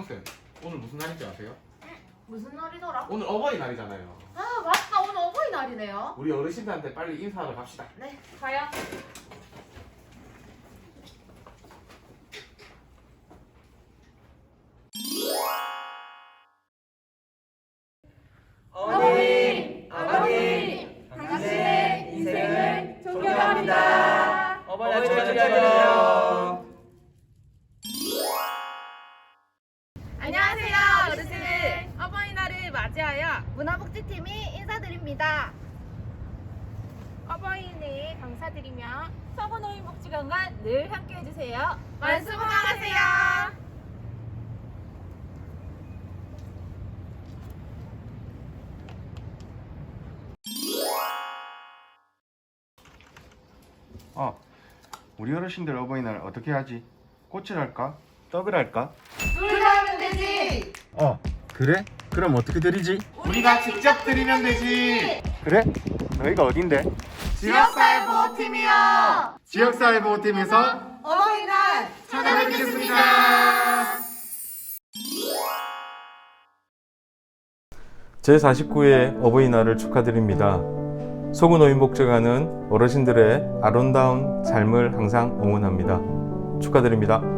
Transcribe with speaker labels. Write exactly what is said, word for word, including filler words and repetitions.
Speaker 1: 수강생, 오늘 무슨 날인지 아세요?
Speaker 2: 무슨 날이더라?
Speaker 1: 오늘 어버이날이잖아요.
Speaker 2: 아 맞다, 오늘 어버이날이네요.
Speaker 1: 우리 어르신들한테 빨리 인사하러 갑시다.
Speaker 2: 네, 가요.
Speaker 3: 어머님, 아버님, 당신의 인생을 존경합니다. 어머니를 축하드려요.
Speaker 2: 안녕하세요, 어르신들. 어버이날을 맞이하여 문화복지팀이 인사드립니다. 어버이날 감사드리며 서구노인복지관과 늘 함께해주세요. 만수무강하세요.
Speaker 4: 어, 우리 어르신들 어버이날 어떻게 하지? 꽃을 할까? 떡을 할까?
Speaker 2: 둘 다 하면 되지.
Speaker 4: 어, 그래? 그럼 어떻게 드리지?
Speaker 1: 우리가 직접 드리면 되지.
Speaker 4: 그래? 너희가 어딘데?
Speaker 2: 지역사회보호팀이요.
Speaker 4: 지역사회보호팀에서
Speaker 2: 어버이날
Speaker 4: 찾아뵙겠습니다.
Speaker 5: 제사십구 회 어버이날을 축하드립니다. 소구노인복지관은 어르신들의 아름다운 삶을 항상 응원합니다. 축하드립니다.